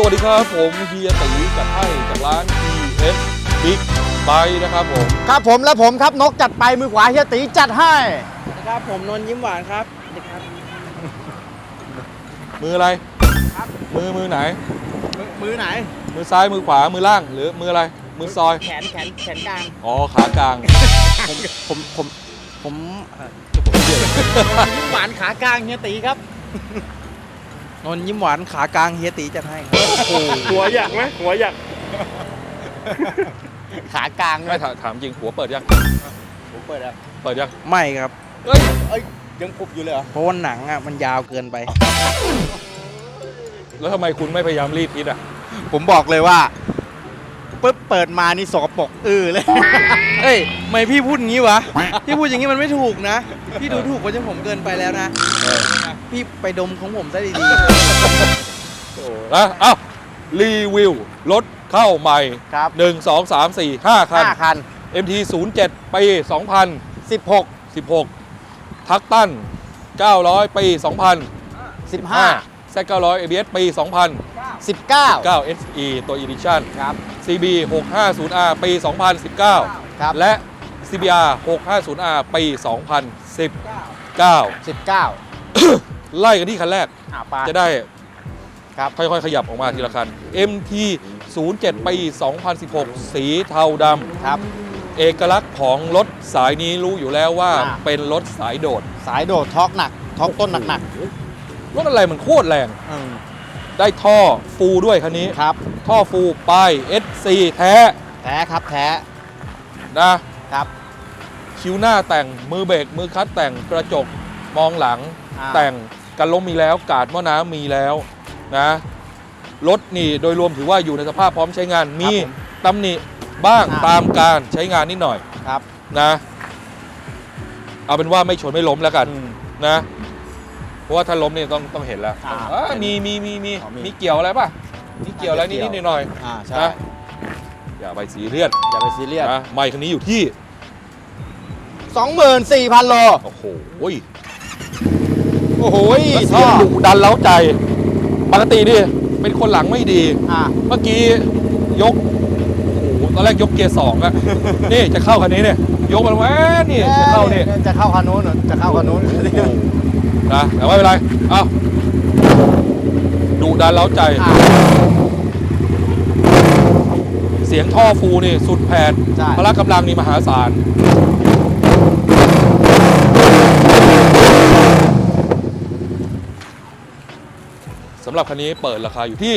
วัสดีครับผมเฮียตีจัดให้จากร้าน TS Big Bike นะครับผมครับผมและผมครับนกจัดไปมือขวาเฮียตีจัดให้ครับผมนนท์ยิ้มหวานครับครับมืออะไรครับมือไหนมือไหนมือซ้ายมือขวามือล่างหรือมืออะไรมือซอยแขนกลางอ๋อขากลางผมยิ้มหวานขากลางเฮียตีครับนนท์ยิ้มหวานขากลางเฮียตีจัดให้ครับหัวอยากไหมหัวอยากขากลางไม่ถามจริงหัวเปิดยังผมเปิดแล้วเปิดยังไม่ครับเอ้ยยังปุบอยู่เลยเหรอเพราะว่าหนังอ่ะมันยาวเกินไปแล้วทำไมคุณไม่พยายามรีดพิษอ่ะผมบอกเลยว่าปึ๊บเปิดมานี่สกปรกเลยเอ้ยทำไมพี่พูดอย่างนี้วะ พี่พูดอย่างนี้มันไม่ถูกนะ พี่ดูถูกกว่าจะผมเกินไปแล้วนะ พี่ไปดมของผมซะดีนะเอ้ารีวิวรถเข้าใหม่ครับ 1 2 3 4 5 คัน 5 คัน MT 07ปี 16 2016 ทักตัน 900 ปี 2015 15 Z900 ABS ปี 2019 19 SE ตัว Edition ครับ CB 650R ปี 2019 ครับและ CBR 650R ปี 2019 19 ไล่กันที่คันแรกไปจะได้ครับค่อยๆ ขยับออกมาทีละคัน MT 07ปี 2016 สีเทาดครับำ เอกลักษณ์ของรถสายนี้รู้อยู่แล้วว่าอ่าเป็นรถสายโดดสายโดดท็อกหนักท็อกต้นหนักรถอะไรมันโคตรแรงๆได้ท่อฟูด้วยคันนี้ครับท่อฟูป้าย SC แท้แท้ครับแท้นะครับ คิ้วหน้าแต่งมือเบรกมือคัดแต่งกระจกมองหลัง แต่งกันล้มมีแล้วกาดหม้อน้ำมีแล้วนะรถนี่โดยรวมถือว่าอยู่ในสภาพพร้อมใช้งานมีตำหนิบ้างตามการใช้งานนิดหน่อยครับนะเอาเป็นว่าไม่ชนไม่ล้มแล้วกันนะเพราะว่าถ้าล้มเนี่ยต้องเห็นแล้วมีเกี่ยวอะไรป่ะมีเกี่ยวอะไรนิดๆหน่อยใช่ๆนะอย่าไปซีเรียสอย่าไปซีเรียสนะไมค์คันนี้อยู่ที่ 24,000 โลโอ้โหโอ้โหแล้วเสียงดุดันเล้าใจปกติดิเป็นคนหลังไม่ดี เมื่อกี้ยกโอ้โหตอนแรกยกเกียร์ 2อะ นี่จะเข้าคันนี้เนี่ยยกมันแหวนี่จะเข้านี่จะเข้าคันนู้นจะเข้าคันนู้นนะแต่ไม่เป็นไรเอ้าดุดันเล้าใจ เสียงท่อฟูนี่สุดแผดใช่พละกำลังนี่มหาศาลสำหรับคันนี้เปิดราคาอยู่ที่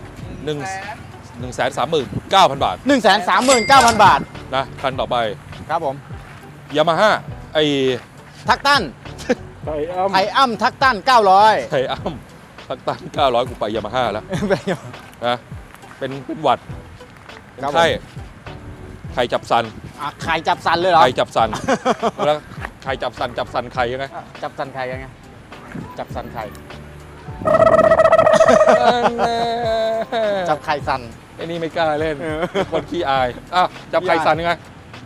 139,000 บาท 139,000 บาทนะคันต่อไปครับผมยามาฮ่าไอทักตันไก่อ้ำไทอ้ำทักตัน 900 ไทอ้ำทักตัน900 กูไปยามาฮ่าแล้วนะเป็นหวัดเป็นครับผมไข่จับสันใครจับสันเลยเหรอไข่จับสันแล้วไข่จับสันไข่ยังไงจับสันใครกันไงจับสันใครจับไข่สันไอ้นี่ไม่กล้าเล่นเออคนขี้อายอ้าวจับไข่สันยังไง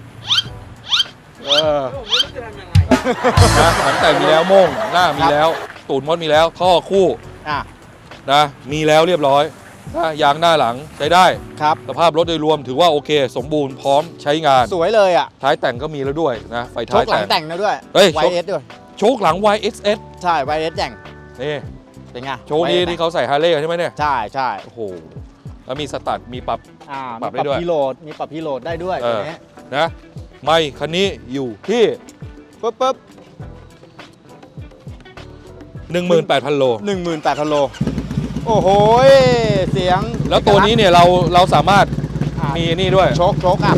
นะหลังแต่งมีแล้วโม่งหน้ามีแล้ว ตูดมดมีแล้วท่อคู่อ่ะนะมีแล้วเรียบร้อยนะยางหน้าหลังใช้ได้ครับสภาพรถโดยรวมถือว่าโอเค สมบูรณ์พร้อมใช้งานสวยเลยอ่ะท้ายแต่งก็มีแล้วด้วยนะไฟโชท้ายคหลังแต่งแต่งนะด้วยเฮ้ย YS ด้วยโชคหลัง YXS ใช่ YS แต่งนี่เป็นไงโชคนี้ YS ที่เขาใส่ฮาร์เลย์ใช่ไหมเนี่ยใช่ใช่โอ้โหแล้วมีสตัดมีปรับมีปปรัรับบ ได้ด้วยพีโหลดมีปรับพีโหลดได้ด้วยเอตัวอนี้นะไม่คันนี้อยู่ที่ปึ๊บ 18,000 โล 18,000 โลโอ้โหเสียงแล้วตัวนี้เนี่ยเราสามารถอ่ะมีนี่ด้วยโชคอัพ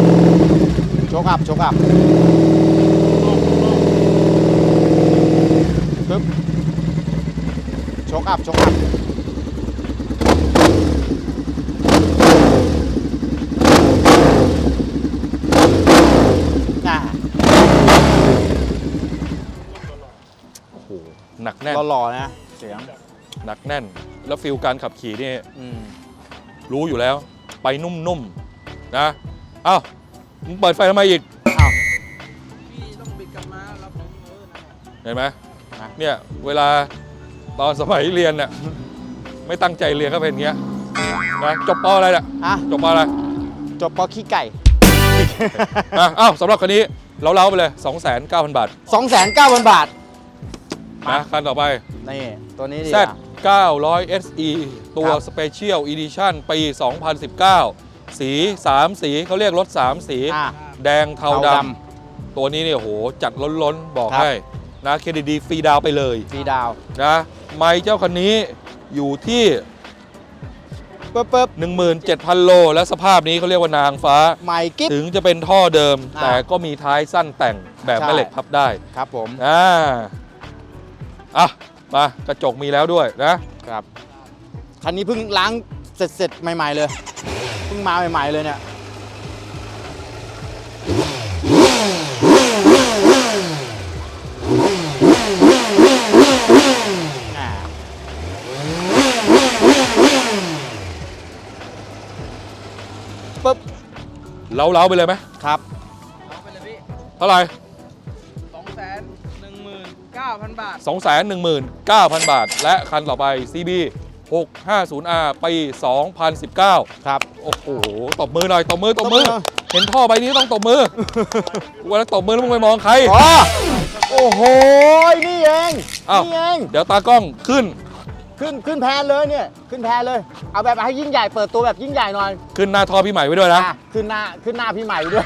ปึ๊บโชคอัพอ่ะโอ้โหหนักแน่นหล่อๆนะเสียงหนักแน่น แล้วฟิลการขับขี่นี่อืมรู้อยู่แล้ว ไปนุ่มๆนะเอ้ามึงเปิดไฟทำไมอีกอ้าวพี่ต้องบิดกลับมารับผมเห็นไหมนะเนี่ยเวลาตอนสมัยเรียนเนี่ยไม่ตั้งใจเรียนก็เป็นอย่างเงี้ยนะจบปออะไรเนี่ยอ่ะจบปออะไรจบปอขี้ไก่อ้าวสำหรับคันนี้เราเล้าไปเลย 29,000 บาท 2,900 บาทนะคันต่อไปนี่ตัวนี้ดี Z อ่ะ 900 SE ตัวครับ Special Edition ปี 2019 สี 3 สีเขาเรียกรถ 3 สีอ่ะแดงเทาเทาดดำตัวนี้เนี่ยโหจัดล้นๆ บอกครับให้นะเครดิตดีฟรีดาวน์ไปเลยฟรีดาวนะไมค์เจ้าคันนี้อยู่ที่ปึ๊บ 17,000 โล และสภาพนี้เขาเรียกว่านางฟ้าใหม่กิ๊บถึงจะเป็นท่อเดิมอ่าแต่ก็มีท้ายสั้นแต่งแบบใช่แม่เหล็กพับได้ครับผมอ่ะมากระจกมีแล้วด้วยนะครับคันนี้เพิ่งล้างเสร็จใหม่ๆเลยเพิ่งมาใหม่ๆเลยเนี่ยอ่าปึ๊บเล้าๆไปเลยไหมครับเอาไปเลยพี่เท่าไหร่ 219,000 บาท 219,000 บาท และคันต่อไป CB 650R ปี 2019 ครับโอ้โห ตบมือหน่อย ตบมือตบมือหน่อยเห็นท่อใบนี้ต้องตบมือ วันนั้นตบมือแล้วมึงไปมองใครอ๋อโอ้โห นี่เองอ้าวนี่เองเดี๋ยวตากล้องขึ้นขึ้นแพนเลยเนี่ย ขึ้นแพนเลย เอาแบบให้ยิ่งใหญ่ เปิดตัวแบบยิ่งใหญ่หน่อยขึ้นหน้าท่อพี่ใหม่ไว้ด้วยนะอ่ะขึ้นหน้าพี่ใหม่ด้วย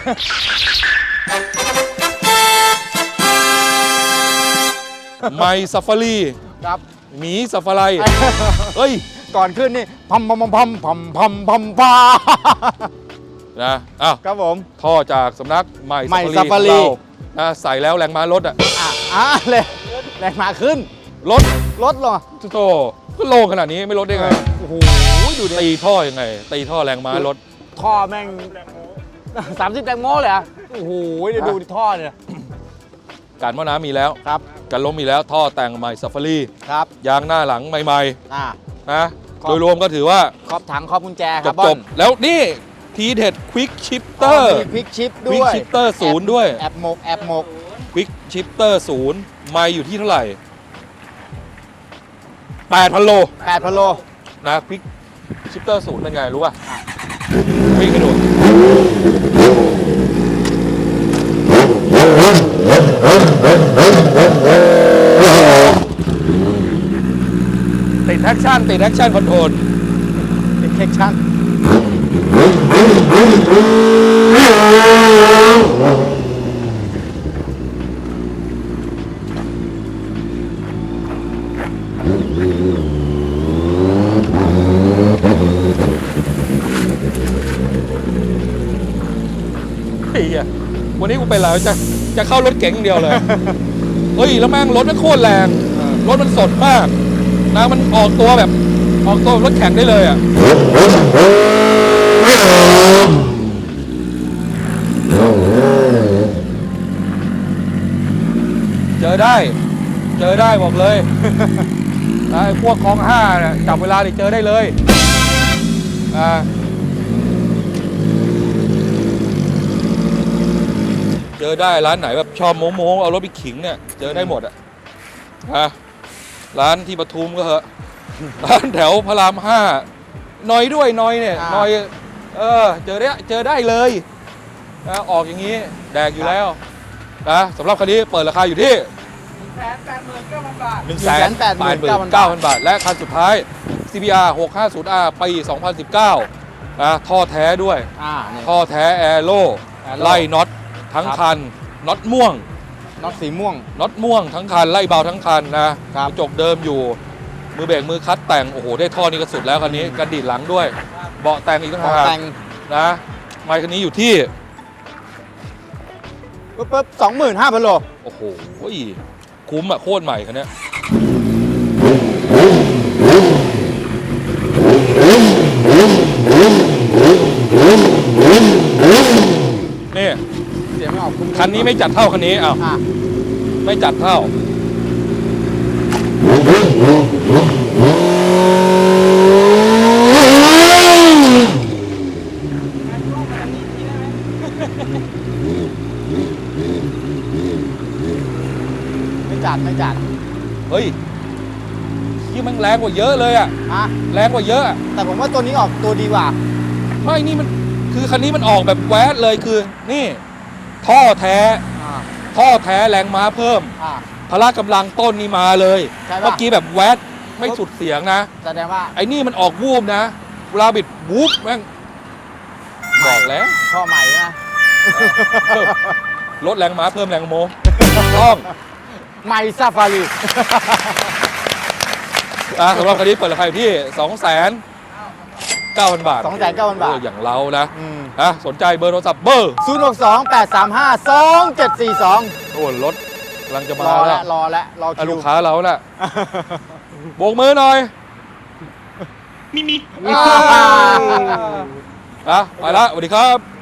ไมซ์ซัฟฟารีครับหมีซัฟฟาไรเฮ้ยก่อนขึ้นนี่พัมพานะอ้าวครับผมท่อจากสำนักไมซ์ไมซ์ซัฟฟารี Safari นะใส่แล้วแรงม้าลดอ่ะเลยแรงมาขึ้นลดรถเหรอโตก็โล่งขนาดนี้ไม่ลดได้ไงโอ้โห ดูดิตีท่อยังไง ตีท่อแรงม้าลดท่อแม่ง 30 แตงโมเลยเหรอ่ะโอ้โหเดี๋ยวดูดิท่อเนี่ยการหม้อน้ำมีแล้วครับการล้มมีแล้วท่อแต่งใหม่ซัฟฟารีครับยางหน้าหลังใหม่อ่าๆนะครับโดยรวมก็ถือว่าครอบถังครอบกุญแจคจรับบ จบแล้วนี่ทีเด็ดควิกชิปเตอร์มีควิกชิปคด้วิกวยชิปเตอร์ศูนย์ด้วยแอบหมกควิกชิปเตอร์ศูนย์ไม่อยู่ที่เท่าไหร่ 8,000 โล 8,000 โลนะควิกชิปเตอร์ศูนย์เป็นไงรู้ป่ะวิ่งให้ดูติดแอคชั่นคอนโทรลเป็นเช็คชั่นไอ้เหี้ยวันนี้กูเป็นอะไรจะเข้ารถเก๋งอย่างเดียวเลย เฮ้ย แล้วแม่งรถมันโคตรแรง รถมันสดมากนะมันออกตัวแบบรถแข่งได้เลยอ่ะ เจอได้บอกเลย ไอ้พวกคลอง5เนี่ยจับเวลาดิเจอได้เลยเจอได้ร้านไหนแบบชอบโม้เอารถไปขิงเนี่ยเจอได้หมดอ่ะร้านที่ปทุมก็เหอะ ร้านแถวพระราม5น้อยด้วยน้อยเนี่ยน้อยเจอได้เลยออกอย่างนี้แดกอยู่แล้วนะสำหรับคันนี้เปิดราคาอยู่ที่ 189,000 บาท 189,000 บาท และคันสุดท้าย CBR 650R ปี 2019นะท่อแท้ด้วยนี่ท่อแท้แอโร่ Aero ไล่น็อตทั้งครับคันน็อตม่วงน็อตสีม่วงน็อตม่วงทั้งคันไล่เบาทั้งคันนะครับ กระจกเดิมอยู่ มือเบรกมือคัดแต่งโอ้โหได้ท่อนี้ก็สุดแล้วคันนี้กระดิดหลังด้วย เบาะแต่งอีกต่างขอหากแต่งนะไมค์คันนี้อยู่ที่ปึ๊บ 25,000 โลโอ้โหคุ้มอะโคตรใหม่คันเนี้ยนี่เสียงไม่ออกคุ้มคันนี้ไม่จัดเท่าคันนี้อ้าวอ่ะไม่จัดเท่าไม่จัดเฮ้ยเฮีที่มันแรงกว่าเยอะเลยอะอ่ะแรงกว่าเยอะอะแต่ผมว่าตัวนี้ออกตัวดีกว่าไม่นี่มันคือคันนี้มันออกแบบแวดเลยคือนี่ ท่อแท้อ่าท่อแท้แรงม้าเพิ่มอ่าพละกำลังต้นนี่มาเลยใช่ปะเมื่อกี้แบบแวดไม่สุดเสียงนะแสดงว่าไอ้นี่มันออกวูบนะเวลาบิดวูบแม่งบอกแล้วท่อใหม่นะลดแรงม้าเพิ่มแรงโมต้องใหม่ซาฟารีสำหรับคันนี้เปิดราคาอยู่ที่ 2,900,000 บาท 2,900,000 บาทอย่างเรานะอืมสนใจเบอร์โทรศัพท์เบอร์ 062-835-2742 โอ้รถกำลังจะมารอแล้แล้ว วรอแล้วรออ่ะคิลูวกค้าเราน่ะโบกมือหน่อยมีไปละสวัสดีครับ